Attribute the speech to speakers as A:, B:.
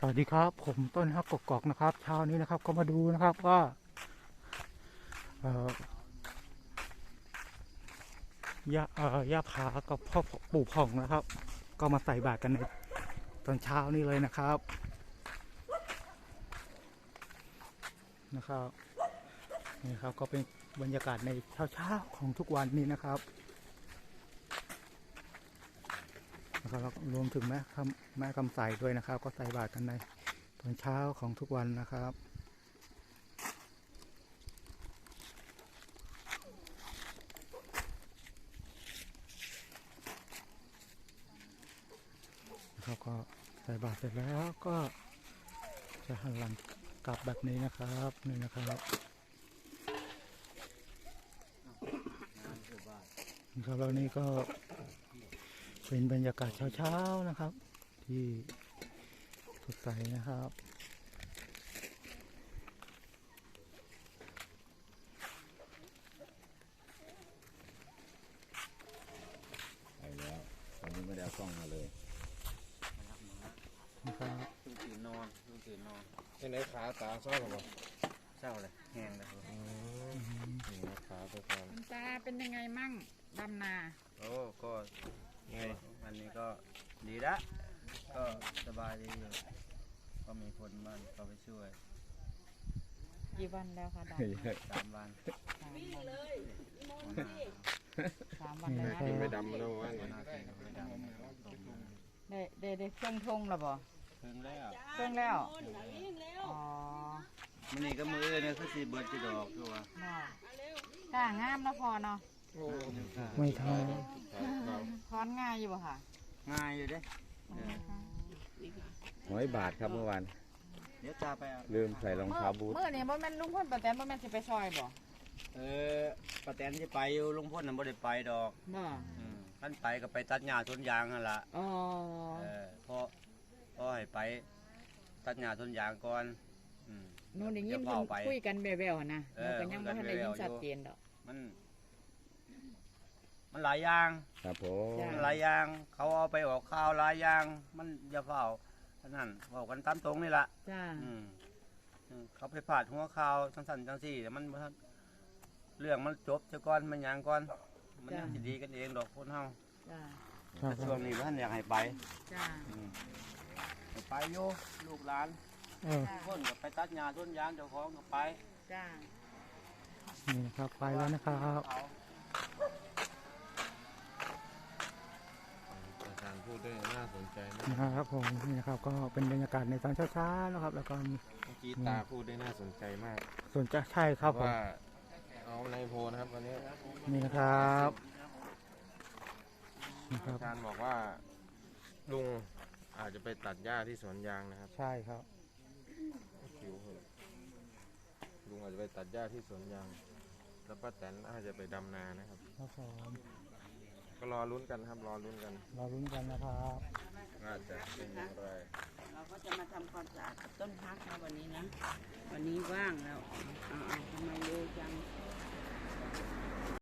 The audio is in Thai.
A: สวัสดีครับผมต้นฮักกกอกนะครับเช้านี้นะครับก็มาดูนะครับว่าเอ่ย่าผากับพ่อปู่ผ่องนะครับก็มาใส่บาตรกันในตอนเช้านี้เลยนะครับนี่ครับก็เป็นบรรยากาศในเช้าของทุกวันนี้นะครับแล้วรวมถึงแม่คำใสด้วยนะครับก็ใส่บาตรกันในตอนเช้าของทุกวันนะครับก็ใส่บาตรเสร็จแล้วก็จะหันหลังกลับแบบนี้นะครับนี่นะครับแล้วนี่ก็เป็นบรรยากาศเช้าๆนะครับที่สดใสนะครับ
B: ไปแล้วตอนนี้ไม่ได้เอากล้องมาเลย
A: นะครับ
C: เพิ่งตื่นนอน
B: ที่ไหนขาตาเศร้าหรอ
C: เศร้าเลยแห้งเลยครับ
B: นี่ขาไปก่อน
D: คุณตาเป็นยังไงมั่งดำนา
C: โอ้ก็ไงวันนี้ก็ดีละก็สบายดีอยู่ก็มีคนบ้านเขาไปช่วย
D: กี่วันแล้วคะดำนา
C: 3 วัน
D: 3 วันแล้ว
A: นี่
D: นะ
A: นะครับ
B: ไม่ดำมาแล้วว่าไง
C: น่ากินไม่ดำ
D: ได้เครื่องทงแล้วบ่
C: เพิ่งแล้ว
D: เครื่องแล้วอ๋อ
C: มันนี่ก็มือเนี่ยคือสีเบิร์ดจะดอกคือว่า
D: เนาะจ้างามเนาะพอเนาะ
A: ไม่ทำ
D: ถอนง่ายอยู่บ่ค่ะ
C: ง่ายอยู่เด้
B: 100 บาทครับเมื่อวาน
C: เดี๋ยวตาไปเอา
B: ลืมใส่รองเท้าบูท
D: เมื่อนี่บ่แม่นลุงพ่นป้าแตนบ่แม่นสิไปซอยบ่
C: ป้าแตนจะไปอยู่ลุงพ่นน่ะบ่ได้ไปดอก
D: บ่
C: ท่านไปก็ไปตัดหญ้าสวนยางนั่นล่ะ
D: อ๋อ
C: พอให้ไปตัดหญ้าสวนยางก่อนอืม
D: หนูได้ยิน
C: เดี๋ยว
D: เพิ่
C: เฝ้าน ไป
D: คุยกันแว่วๆนะห
C: เอ
D: นู
C: อ
D: ก็ยังบ่ทันได้ยินชัดเจนดอก
C: มันหลายอย่าง
B: ครับผม
D: จ้ะ
C: หลายอย่างเขาเอาไปออกข่าวหลายอย่างมันอย่าเฝ้าเท่านั้นบอกกันตามตรงนี่แหละ
D: จ้า
C: เขาไปผ่าดหัวข่าวสั้นๆจังสี่แต่มันบ่ทันเรื่องมันจบเจ้าก่อนมันหยังก่อนมันยังสิดีกันเองดอกคนเฮา
D: จ้า
C: แต่ช่วงนี้ท่านอยากให้ไป
D: จ้า
C: ให้ไปอยู่ลูกหลาน
A: เออ
C: คนก็ไปตัดหญ้าต้นยางเจ้าของก็ไป
D: จ้า
A: นี่นะครับไปแล้วนะครับ
C: เขา
B: อาจารย์พูดได้น่าสนใจมาก
A: นะครับผมนี่นะครับก็เป็นบรรยากาศในตอนเช้าๆนะครับแล้วก็มี
B: เมื่อกี้ตาพูดได้น่าสนใจมาก
A: ส่วนจะใช่ครับผม
B: ว่าเอาในโพนะครับวันนี้
A: นี่นะครับนะครับ
B: อาจารย์บอกว่าลุงอาจจะไปตัดหญ้าที่สวนยางนะครับ
A: ใช่ครับ
B: คิวเหอะลุงอาจจะไปตัดหญ้าที่สวนยางแล้วป้าแตนอาจจะไปดำนานะครับ
A: ครับผม
B: ก็รอลุ้นกันครับรอลุ้นกัน
A: เราลุ้นกันนะครับ
B: ว่าจะเป็นอย่างไร
E: เราก็จะมาทำความสะอาดกับต้นพักนะวันนี้นะ วันนี้ว่างแล้วเอาทำไมเร็วจัง